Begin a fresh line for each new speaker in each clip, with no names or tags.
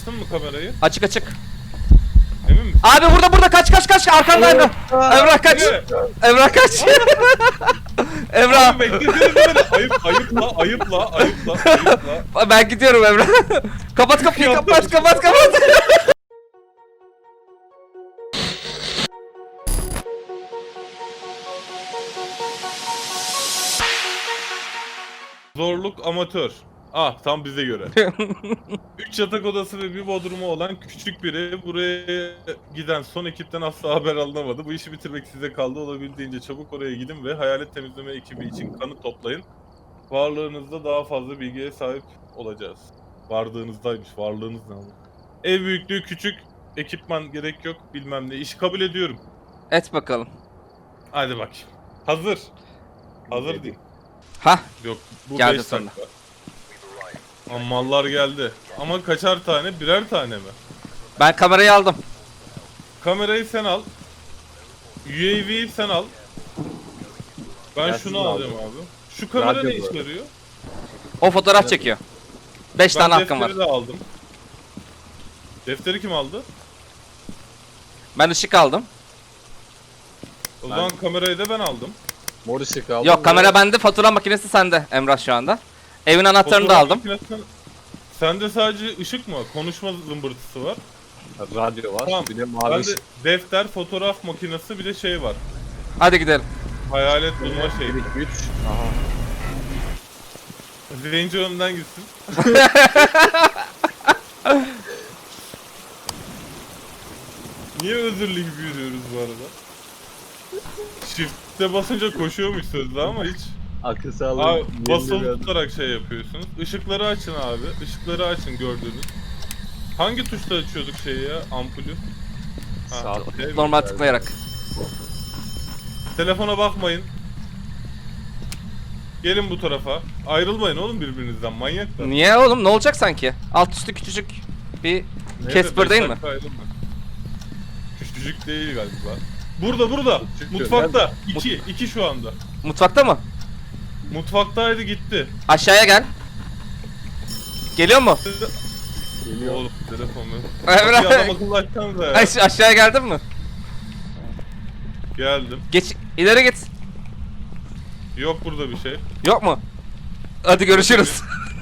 Açtın mı kamerayı?
Açık açık.
Emin misin?
Abi burada kaç arkanda Emrah. Emrah kaç. Emrah kaç. Emrah.
Abi beklesene beni. Ayıpla.
Ben gidiyorum Emrah. Kapat kapıyı, kapat.
Zorluk amatör. Ah tam bize göre. 3 yatak odası ve bir bodrumu olan küçük biri, buraya giden son ekipten asla haber alınamadı. Bu işi bitirmek size kaldı. Olabildiğince çabuk oraya gidin ve hayalet temizleme ekibi için kanıt toplayın. Varlığınızda daha fazla bilgiye sahip olacağız. Varlığınızdaymış. Varlığınız ne abi? Ev büyüklüğü küçük. Ekipman gerek yok. Bilmem ne. İşi kabul ediyorum.
Et bakalım.
Hadi bakayım. Hazır. Hazır değil.
Hah.
Yok. Bu
Geldi
5
sonra.
dakika. Ama mallar geldi. Ama kaçar tane? Birer tane mi?
Ben kamerayı aldım.
Kamerayı sen al. UAV'yi sen al. Ben
Ben
şunu
şunu
alacağım abi. Şu kamera
Radyo
ne işe
bu.
yarıyor?
O fotoğraf çekiyor. 5
Ben
tane hakkım var.
defteri de aldım. Defteri kim aldı?
Ben ışık aldım.
O zaman kamerayı da ben aldım.
Mor ışık aldım.
Yok, kamera bende, fatura makinesi sende Emrah şu anda. Evin anahtarını da
Fotoğraf
aldım.
makinesinden- Sende sadece ışık mı? Konuşma zımbırtısı var.
Radyo var.
Tamam.
Bir de mavi
Bende
ışık.
defter, fotoğraf makinesi bir de şey var.
Hadi gidelim.
Hayalet bulma şeyi.
3. Aha.
Zenci önden gitsin. Niye özürlü gibi yürüyoruz bu arada? Shift'e basınca koşuyormuş sözde ama hiç.
Akıl sağlığı.
Abi basılı tutarak şey yapıyorsunuz. Işıkları açın abi. Işıkları açın gördüğünüz. Hangi tuşla açıyorduk şeyi ya? Ampulü. Ha,
Sağ-
değil mi?
Normal tıklayarak.
Telefona bakmayın. Gelin bu tarafa. Ayrılmayın oğlum birbirinizden, manyaklar.
Niye oğlum, ne olacak sanki? Alt üstü küçücük bir
Neyse,
Casper
5
değil mi?
dakika ayrılma. Küçücük değil galiba. Burada.
Küçük
Mutfakta. 2 şu anda.
Mutfakta mı?
Mutfaktaydı gitti.
Aşağıya gel. Geliyor mu?
Geliyor.
Oğlum telefonu.
Emrah.
Kapıyı adam akıllı açsanıza ya.
Aşağıya geldin mi?
Geldim.
Geç, ileri git.
Yok burada bir şey.
Yok mu? Hadi görüşürüz.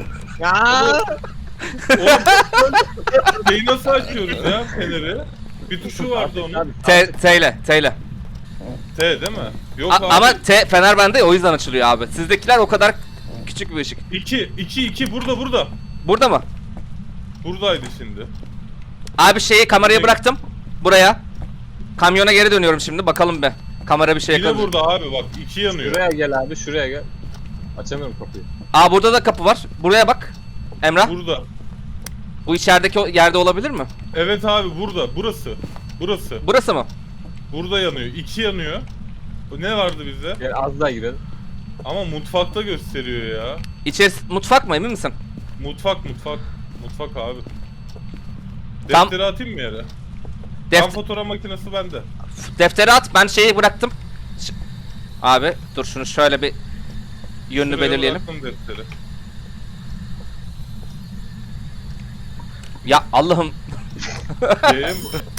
Oğlum şeyi nasıl açıyoruz ya feneri? Bir tuşu vardı onun.
T ile.
T değil mi? Yok abi.
Ama T fener bende ya, o yüzden açılıyor abi. Sizdekiler o kadar küçük bir ışık.
2 burada.
Burada mı?
Buradaydı şimdi.
Abi şeyi, kamerayı bıraktım. Buraya. Kamyona geri dönüyorum şimdi, bakalım be. Kamera bir şey
Bir de
yakalıyor.
burada abi bak 2 yanıyor.
Şuraya gel abi, şuraya gel. Açamıyorum kapıyı.
Aa, burada da kapı var. Buraya bak. Emrah.
Burada.
Bu içerideki yerde olabilir mi?
Evet abi burada. Burası.
Burası mı?
Burada yanıyor. 2 yanıyor. Ne vardı bizde?
Gel az daha girelim.
Ama mutfakta gösteriyor ya.
İçerisi mutfak mı, emin misin?
Mutfak abi.
Tam-
Defteri atayım mı yere?
Deft-
Tam fotoğraf makinesi bende.
Defteri at, ben şeyi bıraktım. Abi dur, şunu şöyle bir yönünü
Şuraya
belirleyelim.
bıraktım defteri.
Ya Allah'ım.
Şeyim,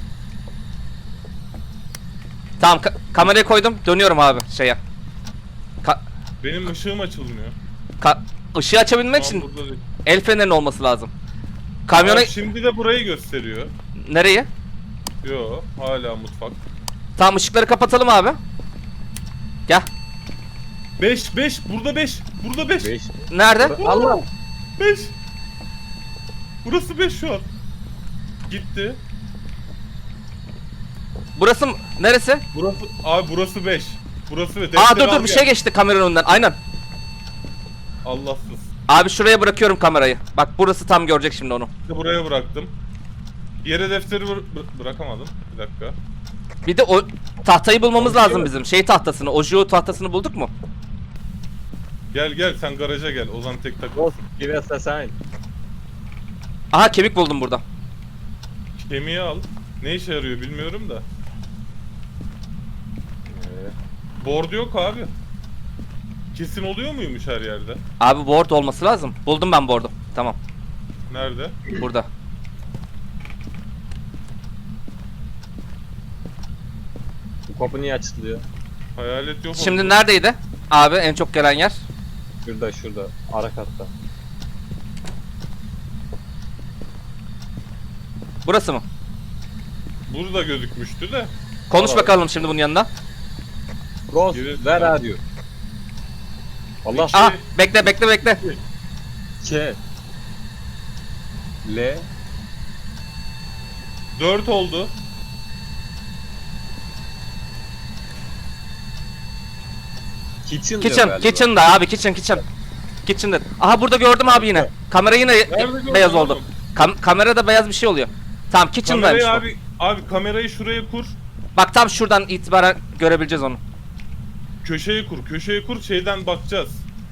Tamam, kamerayı koydum, dönüyorum abi şeye.
benim ışığım açılmıyor.
Işığı açabilmek
Tamam,
için
burada değil.
el fenerinin olması lazım. Kamyona...
Abi şimdi de burayı gösteriyor.
Nereyi?
Yo hala mutfak.
Tamam, ışıkları kapatalım abi. Gel.
5 burada 5. Burada 5.
5.
Nerede?
Allah.
5. Burası 5 şu an. Gitti.
Burası mı? Neresi?
Burası 5. Burası ve
Aa dur bir şey geçti kameranın önünden. Aynen.
Allahsız.
Abi şuraya bırakıyorum kamerayı. Bak burası tam görecek şimdi onu.
Bir de buraya bıraktım. Yere defteri bırakamadım. Bir dakika.
Bir de o tahtayı bulmamız lazım bizim. Şey tahtasını, Ojo tahtasını bulduk mu?
Gel sen garaja gel. Ozan tek takıl.
Boss, give us a sign.
Aha, kemik buldum burada.
Kemiği al. Ne işe yarıyor bilmiyorum da. Board yok abi. Kesin oluyor muymuş her yerde?
Abi board olması lazım. Buldum ben board'u. Tamam.
Nerede?
Burada.
kapı niye açılıyor?
Hayalet yok
Şimdi
oldu.
neredeydi? Abi en çok gelen yer.
Şurada. Ara katta.
Burası mı?
Burada gözükmüştü de.
Konuş
Aa.
bakalım şimdi bunun yanında.
Ghost,
Yürü.
where are you? Allah
İki.
Aha bekle.
K. L.
4 oldu.
Kitchen diyor
Kitchen,
galiba.
kitchen'da abi kitchen'da. Aha burada gördüm abi yine. Kamera yine
Nerede
beyaz
gördün
oldu.
oğlum?
Kamerada beyaz bir şey oluyor. Tamam kitchen'daymış
Kamerayı
bu.
abi kamerayı şuraya kur.
Bak tam şuradan itibaren görebileceğiz onu.
Köşeye kur şeyden bakacağız.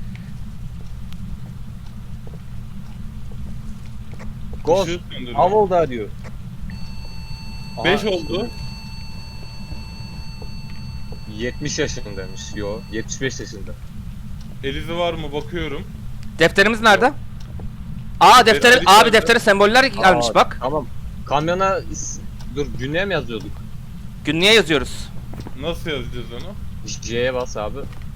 Ghost,
Işığı söndürüyor.
how old are you?
5
Aha,
oldu.
70 yaşındaymış. Yo, 75 yaşında.
Elizi var mı bakıyorum.
Defterimiz nerede? Aa defteri
Ali
abi
nerede?
deftere semboller gelmiş
Aa,
bak.
Tamam. Kamyona dur günlüğe mi yazıyorduk?
Günlüğe yazıyoruz.
Nasıl yazacağız onu?
J'ye bas abi.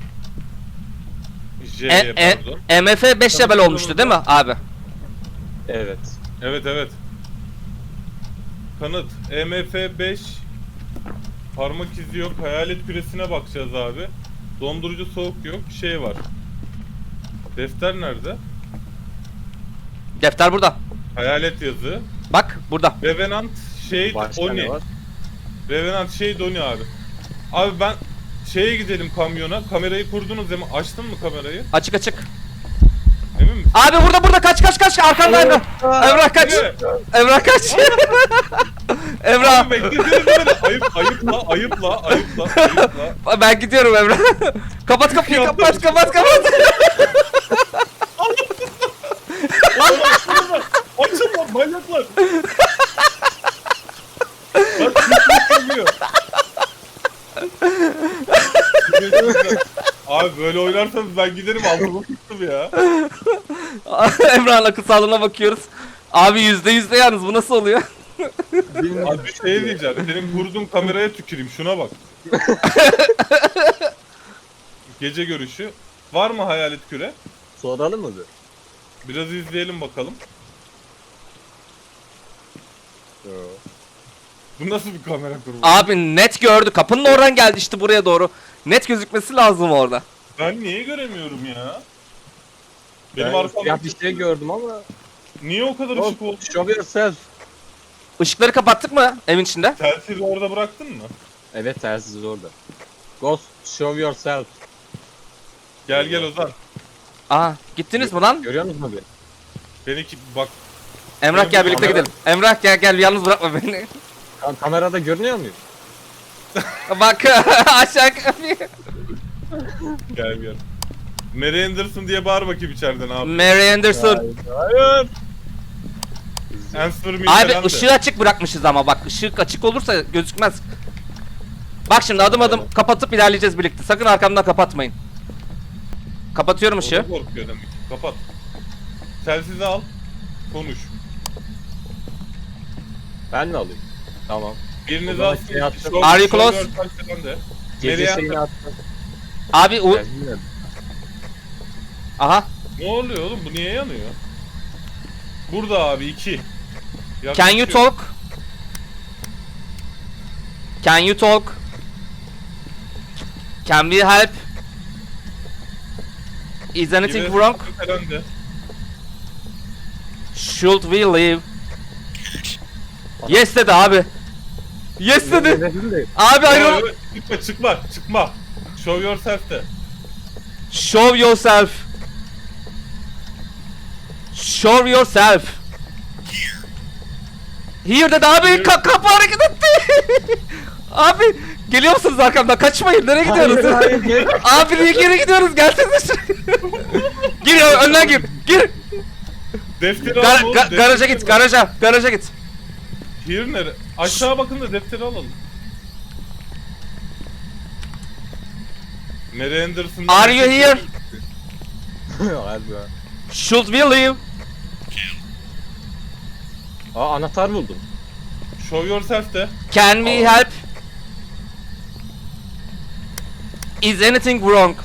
J'ye pardon.
MF 5 level olmuştu değil mi abi?
Evet.
Evet. Kanıt. EMF 5. Parmak izi yok. Hayalet küresine bakacağız abi. Dondurucu soğuk yok. Şey var. Defter nerede?
Defter burada.
Hayalet yazı.
Bak burada.
Revenant Shade
Başka ne
Oni.
var?
Revenant Shade Oni abi. Abi ben şeye gidelim kamyona. Kamerayı kurdunuz değil mi? Açtın mı kamerayı?
Açık.
Emin misin?
Abi burada kaç arkanda Emrah. Emrah kaç.
Ne?
Emrah kaç. Emrah.
Abi beklesene beni. Ayıpla.
Ben gidiyorum Emrah. Kapat kapıyı kapat.
Açın lan manyaklar. Bak küçük geliyor. Abi böyle oynarsanız ben giderim altıma tuttum ya.
Emrah'ın akıl sağlığına bakıyoruz. Abi %100 yalnız bu nasıl oluyor?
Abi bir şey diyeceğim. Senin kurduğun kameraya tüküreyim. Şuna bak. Gece görüşü. Var mı hayalet küre?
Soralım mı bir?
Biraz izleyelim bakalım.
Yo.
Bu nasıl bir kamera kurulu?
Abi net gördü. Kapının oradan geldi işte buraya doğru. Net gözükmesi lazım orada.
Ben niye göremiyorum ya? Benim
Ben
arkamda
siyah bir şey gördüm ama.
niye o kadar
Ghost,
ışık oldu?
show yourself.
Işıkları kapattık mı evin içinde?
Telsizi orada bıraktın mı?
Evet telsiz orada. Ghost, show yourself.
Gel Ozan.
Aa gittiniz mi lan?
Görüyor musun abi?
Beni bak
Emrah gel birlikte
kamera-
gidelim. Emrah gel yalnız bırakma beni.
Kamerada görünüyor muyum?
Bak aşağı kapıyı.
gel. Mary Anderson diye bağır bakayım içeriden abi.
Mary Anderson.
Hayır.
Answer me
Abi
falan de.
ışığı açık bırakmışız ama bak ışık açık olursa gözükmez. Bak şimdi adım kapatıp ilerleyeceğiz birlikte. Sakın arkamdan kapatmayın. Kapatıyorum
O da
ışığı.
korkuyor demek ki. Kapat. Telsizi al. Konuş.
Ben mi alayım? Tamam.
Biriniz
O zaman
alsın.
şey attım.
Are you close?
Gece
Nereye
şeyini attım.
Abi
Telsiz
aha.
Ne oluyor oğlum? Bu niye yanıyor? Burada abi 2.
Can you talk? Can you talk? Can we help? Is anything wrong? Should we leave? Yes dedi abi. Yes dedi. Abi ayrıl.
Çıkma. Show yourself de.
Show yourself. Show yourself. Here dedi abi. Kapı hareket etti. Abi geliyor musunuz arkamdan? Kaçmayın. Nereye gidiyoruz? Abi niye geri gidiyoruz? Gelsene şuraya. Gir önden gir. Gir.
Defteri al oğlum, defteri
Garaja git.
al.
Garaja git.
Here nere? Aşağı bakın da defteri alalım. Mary Anderson.
Are you here?
Harbi ha.
Should we leave?
Aa anahtar buldum.
Show yourself de.
Can we help? Is anything wrong?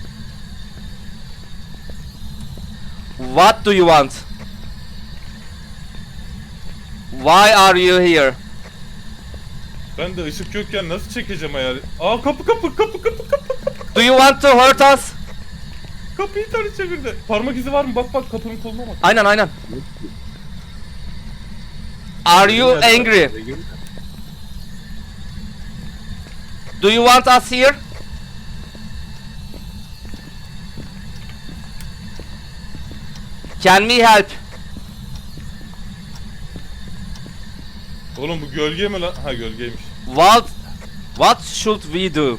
What do you want? Why are you here?
Ben de ışık yokken nasıl çekeceğim hayal? Aa kapı.
Do you want to hurt us?
Kapıyı ters çevirdi. Parmak izi var mı? Bak kapının koluna bak.
Aynen. Are you angry? Do you want us here? Can we help?
Oğlum bu gölge mi lan? Ha gölgeymiş.
What should we do?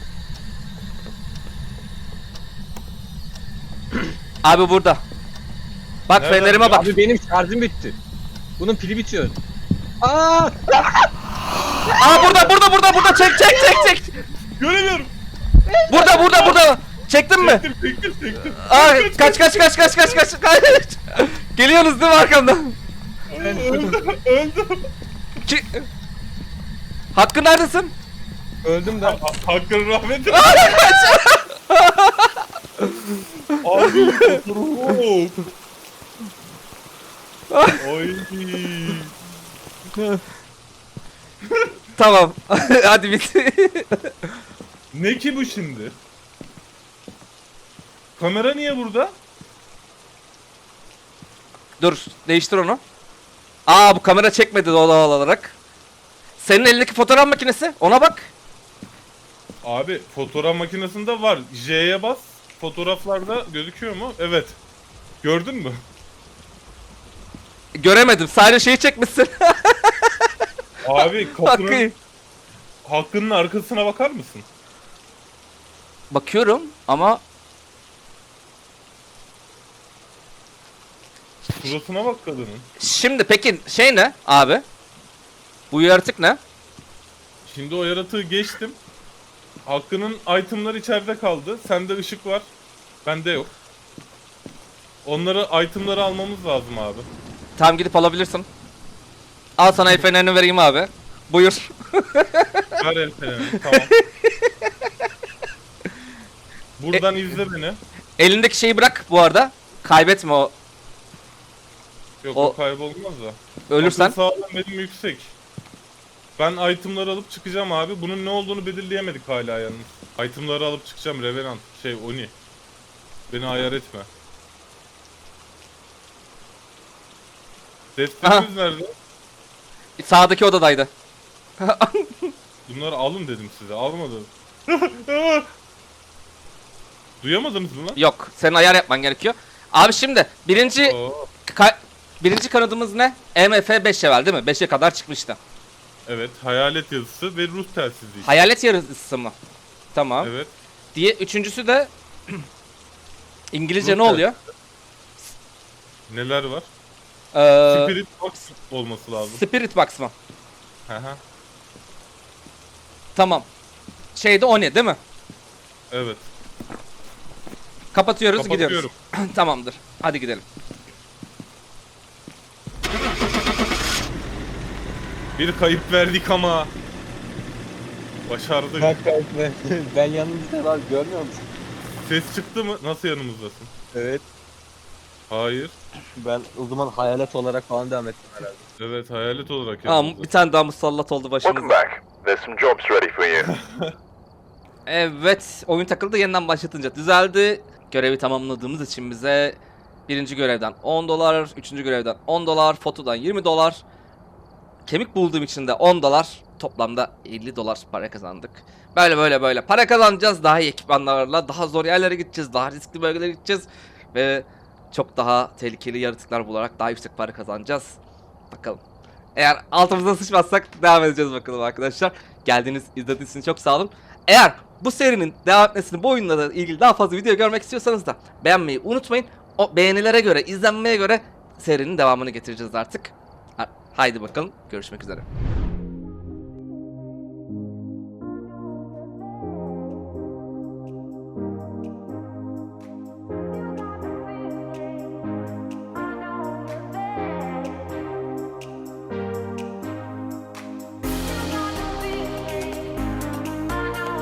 Abi burada. Bak
Nereden
fenerime bak.
Abi benim şarjım bitti. Bunun pili bitiyor. Aa!
Aa burada çek.
Göremiyorum.
Burada. Çektin mi?
Çektim.
Aa kaç. Geliyorsunuz değil mi arkamdan?
Öldüm.
Hakkı neredesin?
Öldüm de.
Hakkın rahmeti. Abi. Oy.
Tamam. Hadi bit.
Ne ki bu şimdi? Kamera niye burada?
Dur değiştir onu. Aa bu kamera çekmedi doğal olarak. Senin elindeki fotoğraf makinesi ona bak.
Abi fotoğraf makinesinde var. J'ye bas. Fotoğraflarda gözüküyor mu? Evet. Gördün mü?
Göremedim sadece şeyi çekmişsin.
Abi kapının,
Hakkı.
Hakkının arkasına bakar mısın?
Bakıyorum ama
Suratına bak kadının.
şimdi peki şey ne abi? Bu yaratık ne?
Şimdi o yaratığı geçtim. Hakkının itemları içeride kaldı. Sende ışık var. Bende yok. Onları itemları almamız lazım abi.
Tamam gidip alabilirsin. Al sana el fenerini vereyim abi. Buyur.
Ver el fenerini, tamam. Buradan izle beni.
Elindeki şeyi bırak bu arada. Kaybetme o.
Yok
O-
o kaybolmaz da.
Ölürsen.
Akıl sağlığım benim yüksek. Ben itemları alıp çıkacağım abi. Bunun ne olduğunu belirleyemedik hala yalnız. Itemları alıp çıkacağım Revenant. Oni. Beni ayar etme. Defterimiz nerede?
Sağdaki odadaydı.
Bunları alın dedim size. Almadım. Duyamadınız mı lan?
Yok. Senin ayar yapman gerekiyor. Abi şimdi birinci
Oo,
birinci kanadımız ne? MF5 level değil mi? 5'e kadar çıkmıştı.
evet. Hayalet yazısı ve ruh telsizi. işte.
Hayalet yarısı mı? Tamam.
Evet.
Diye üçüncüsü de İngilizce
Ruh
ne oluyor?
Neler var?
Ee,
Spirit Box olması lazım.
Spirit Box mı?
Hı hı.
Tamam. Şeyde o ne değil mi?
Evet.
Kapatıyoruz gidiyoruz.
Kapatıyorum.
Tamamdır. Hadi gidelim.
Bir kayıp verdik ama. Başardık.
Ben yanımda var, görmüyor musun?
Ses çıktı mı? Nasıl yanımızdasın?
Evet.
Hayır.
Ben o zaman hayalet olarak falan devam ettim herhalde.
Evet hayalet olarak
Aa,
yanımızda.
bir tane daha musallat oldu
Welcome
başımıza.
back. There's some jobs ready for you.
Evet, oyun takıldı yeniden başlatınca düzeldi. Görevi tamamladığımız için bize birinci görevden 10 dolar, üçüncü görevden 10 dolar, fotodan 20 dolar, kemik bulduğum için de 10 dolar, toplamda 50 dolar para kazandık. Böyle para kazanacağız, daha iyi ekipmanlarla, daha zor yerlere gideceğiz, daha riskli bölgelere gideceğiz ve çok daha tehlikeli yaratıklar bularak daha yüksek para kazanacağız. Bakalım. Eğer altımıza sıçmazsak devam edeceğiz bakalım arkadaşlar. Geldiğiniz, izlediğiniz için çok sağ olun. Eğer bu serinin devam etmesini, bu oyunla ilgili daha fazla video görmek istiyorsanız da beğenmeyi unutmayın. O beğenilere göre, izlenmeye göre serinin devamını getireceğiz artık. Haydi bakalım, görüşmek üzere.